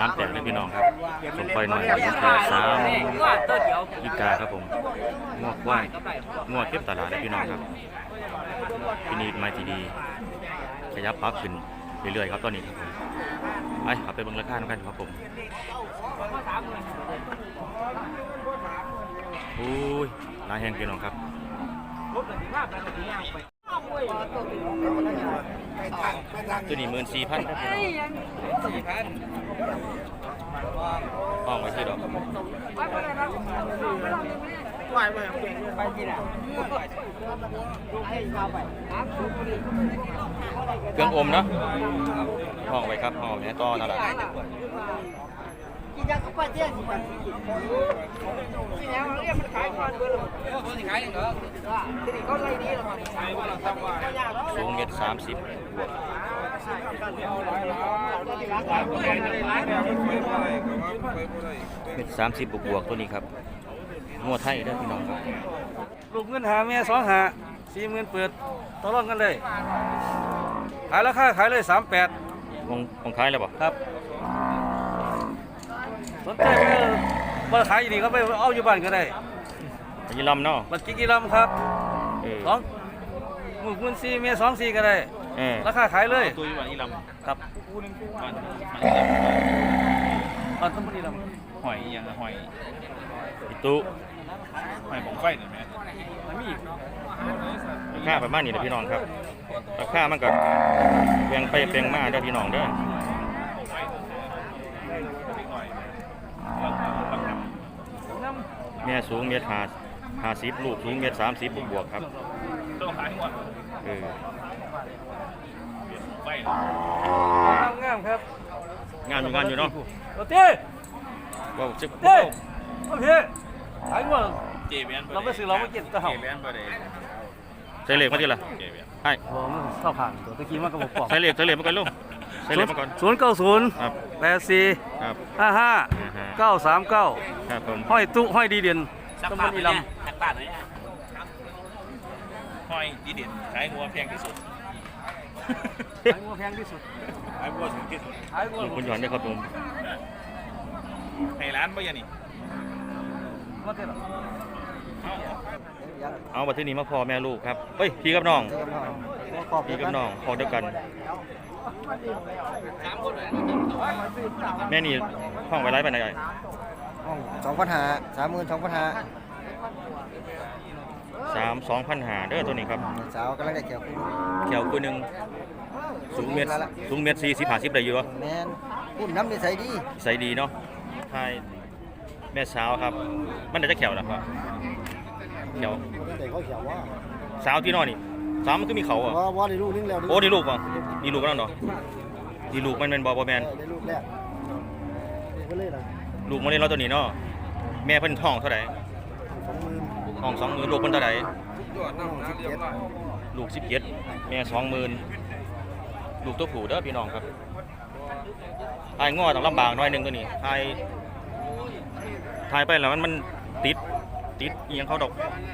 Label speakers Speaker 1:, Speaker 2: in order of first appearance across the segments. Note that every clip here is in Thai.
Speaker 1: 38เลยพี่น้องครับสมปล่อยหน่อยอยู่ที่3อีกาครับผมงวกว่ายงวกเก็บตลาดเลยพี่น้องครับที่นี่มาที่ดีขยับปั๊บขึ้นเรื่อยๆครับตอนนี้ครับผมไปขับไปเบิ่งราคากันครับผมอุ้ยลายแห้งพี่น้องครับตัวนี้14,000ครับพี่น้องห้องไว้ที่ดอกเครื่องอมเนาะห้องไว้ครับห้องนี้ต่อนั่นแหละ
Speaker 2: กินยาคุปเตี้ยสิมันกินแล้วเรียกมันขายก่อนเบอร์เลยคนที่ขายอย่างเหรอทีนี้ก็ไล่ดีแล้วมันขายว่าเราทำว่า
Speaker 1: สูง1.30 บวก1.30 บวกตัวนี้ครับงัวไทยเด้อพี่น้องครับ
Speaker 3: ลูกเงินหาแม่2 40,000เปิดต่อรองกันเลยขายราคาขายเลย38
Speaker 1: ของขายแล้วบ่
Speaker 3: ครับสนใจมาขายอยู่นี่ก็ไปเอาอยู่บ้านก็ได้
Speaker 1: ยี่ลำเนาะ
Speaker 3: บัตรกี่ลำครับ2 หมื่น4เมีย24ก็ได้ราคาขายเลย
Speaker 1: ตัวอยู่บ้านยี่ลำ
Speaker 3: ครับบ้านต้นบุรีล
Speaker 1: ำหอยยังหอยอีตู้หอยของไฟหน่อยไหมราคาประมาณนี้นะพี่น้องครับราคามันก็แพงไปแพงมาเด้อพี่น้องเด้อแม่สูง1.50 ลูกสูง1.30 บวกครับ
Speaker 3: งามครับ
Speaker 1: งานอยู่เนาะ
Speaker 3: โอเค
Speaker 1: ว้าวจิ๊บ
Speaker 3: โอเคขายหมดเราไปซื้อเราไม่กินตะเห่า
Speaker 1: ใส่เหล็กมาทีละใช่
Speaker 3: ผมเข้าผ่านตัวตะกี้มันก็บอกปอก
Speaker 1: ใส่เหล็กมาก่อนลูกใส่เหล็กมาก่อน
Speaker 3: 090 84 55 939
Speaker 1: ครับผม
Speaker 3: ห้อยตุ้ห้อยดีเด่นต้องมีลำ
Speaker 1: ห้อยดีเด่นขายงัวแพงที่สุด
Speaker 3: ขายงัวแพงที่สุด
Speaker 1: ขายงัวถูกที่สุดคุณหยอนได้ครับผมให้ร้านบ่ยันนี่เอาบัตรที่นี่มาพอแม่ลูกครับเฮ้ยพี่กับน้องพี่กับน้องพอเดียวกันแม่นี่ห้องไว้ไร้ไปไหนไง
Speaker 2: ห้อง2,500
Speaker 1: 32,500เด้อตัวนี้ครับ
Speaker 2: สาวกำลังได้เ
Speaker 1: ขียวคู่นึงสูงเมตร40-50ได้อยู่วะ
Speaker 2: แม่นพุ่นน้ำนิสัยดี
Speaker 1: ใส่ดีเนาะใช่แม่สาวครับมันจะเขียวนะครับเขียวสาวที่นอนนี่สาวมันก็มีเขาอ่ะ
Speaker 2: ว่าได้ลูกนึงแล้ว
Speaker 1: โอ้ดีลูกป่ะดีลูกนั่นเนาะดีลูกมันเป็นบอแมน
Speaker 2: ได้ลูกแรก
Speaker 1: ลูกมันเล่นเราตัวนี้เนาะแม่เพิ่นท้องเท่าไหร่ท้อง20,000ลูกเพิ่นเท่าไหร่ลูก17แม่20,000ลูกตัวผู้เด้อพี่น้องครับทายง้อต้องลำบากหน่อยนึงตัวนี้ทายไปแล้วมันติดเอียงเขาดอก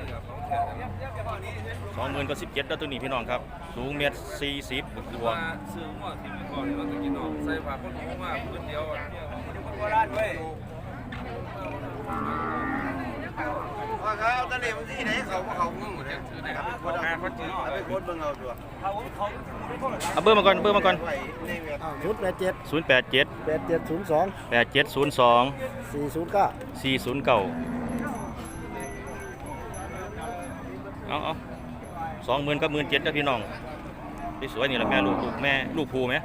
Speaker 1: 20,000ก็17แล้วตัวนี้พี่น้องครับสูง1.40 บวก
Speaker 4: ซื้อหัวที่มันก่อนเราจะกินออกใส่ผักคนหูมากพื้นเดียวโบราณเว้ยว่าเขาตะเลมันที่ไหนเขางงหมดเลยคนงานเขาจืดไปโคตรเบิ่งเอาตัว
Speaker 1: เอาเบอร์มาก่อน
Speaker 2: 087
Speaker 1: 409เอา20,000กับ17,000นะพี่น้องสวยนี่แหละแม่ลูกภูไหม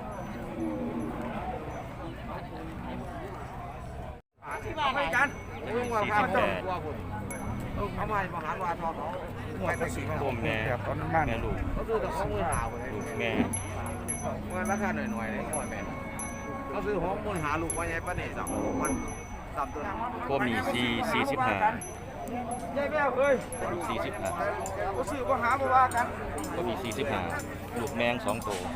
Speaker 1: ผมแม่ลูกแม่
Speaker 4: ราคาหน่อยๆเลยก่อนแม่เขาซื้อหอมมูลหาลูกไว้ไงป้าเนี่ยมัน3 ตัว
Speaker 1: ผมนี่45
Speaker 4: ยายแม่เอ้ย
Speaker 1: 45
Speaker 4: ก็ซื้อก็หาบ่ว่ากัน
Speaker 1: ก็มี45ลูกแมง2 ตัว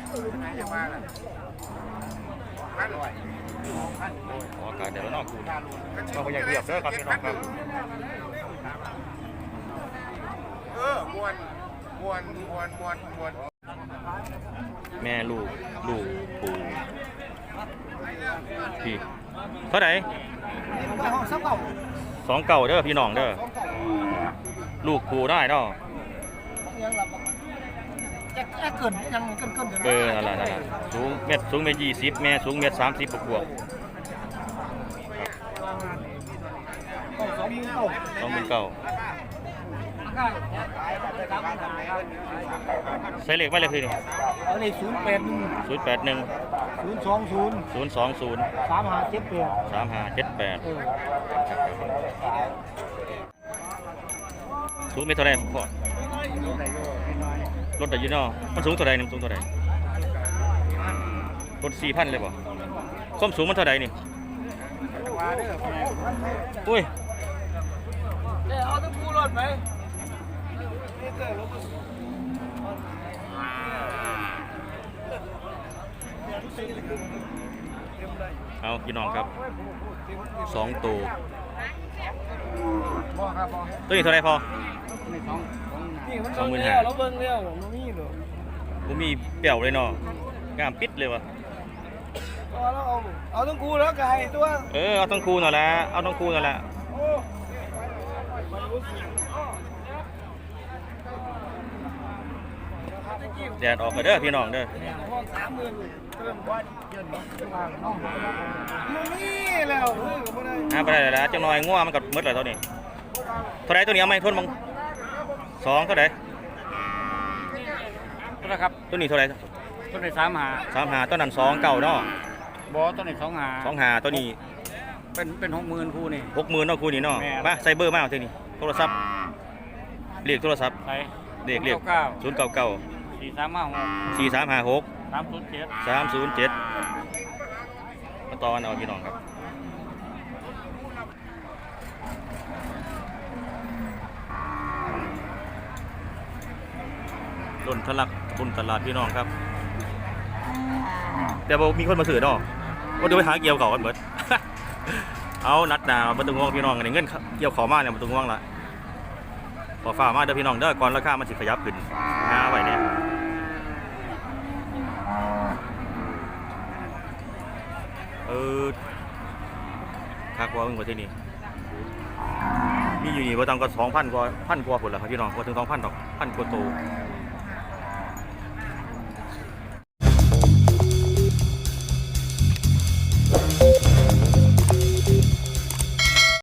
Speaker 1: อากาศเดี๋ยวเรานอกคูเราก็อยากเรียบเด้อครับพี่น้องครับ
Speaker 4: มวน
Speaker 1: แม่ลูกปู่พี่เท่าไหร่
Speaker 2: ไปห้องซับเก่า
Speaker 1: 29เด้อพี่น้องเด้อลูกผูได้เนาะ
Speaker 2: ยังหลับจะเกินยังเกิน
Speaker 1: นั่นล่ะสูงเมตร20แม่สูงเมตร30บวก 29,000ใส่เลขไว้เลยคือนี่
Speaker 2: เอาเลย081
Speaker 1: 020 3578สูงเมตรเท่าไหร่พ่อรถได้อยู่เนาะมันสูงเท่าไหร่นี่สูงเท่าไหร่รถ 4,000 เลยบ่ความสูงมันเท่าไหร่นี่อุ้ย
Speaker 2: เอาตะปูรถไหม
Speaker 1: เอาพี่น้องครับ2ตัวตัวนี้เท่าไหร่พอ
Speaker 2: 25,000เราเบิ่งแล้วมันมีเหรอ
Speaker 1: ผมมีเปี่ยวเลยเนาะงามปิดเลยวะ
Speaker 2: เอาตะปูแล้วไก่ตัว
Speaker 1: เอาต้องคูนั่นแหละเอาต้องคูนั่นแหละแดดออกไปเด้อพี่น้องเด้อ
Speaker 2: ห้อง30,000เติมบ่เยินบ่มันมีแล้ว
Speaker 1: ไปได้แล้วจังหน่อยง่วงมันกับมืดเลยเท่านี้เท่าไรตัวนี้เอาไหมทนมั้ง2เท่าไร
Speaker 3: ตัวนะครับ
Speaker 1: ตัวนี้เท่าไร
Speaker 3: ตัวนี้
Speaker 1: 35ตัวนั้น2เก่าเนาะ
Speaker 3: บ่ตัวนี้
Speaker 1: 25ตัวนี้
Speaker 3: เป็น60,000คู่นี่
Speaker 1: 60,000เนาะคูนี่เนาะมาใส่เบอร์มาเอาทีนี้โทรศัพท์เรียกโทรศัพท์
Speaker 3: ใส่
Speaker 1: เรียก099
Speaker 3: 4356
Speaker 1: 4356
Speaker 3: 307
Speaker 1: 307มาตอนเอาพี่น้องครับต้นทะลักบนตลาดพี่น้องครับแต่บอกมีคนมาซื้อเนาะว่าเดี๋ยวไปหาเกี่ยวเขากันเบิด เอานัดหนามาตึงง่วงพี่น้องกันเงินเกี่ยวขอมาเนี่ยมาตึงง่วงละขอฝ่ามาเด้อพี่น้องเด้อก่อนราคามันสิขยับขึ้นหาไว้เนี่ยค่ากว่าเพิ่งกว่าที่นี่มีอยู่นี่ว่าตังก็2,000 กว่าผลละครับพี่น้องกว่าถึง2,000 ดอก1,000 กว่าโตว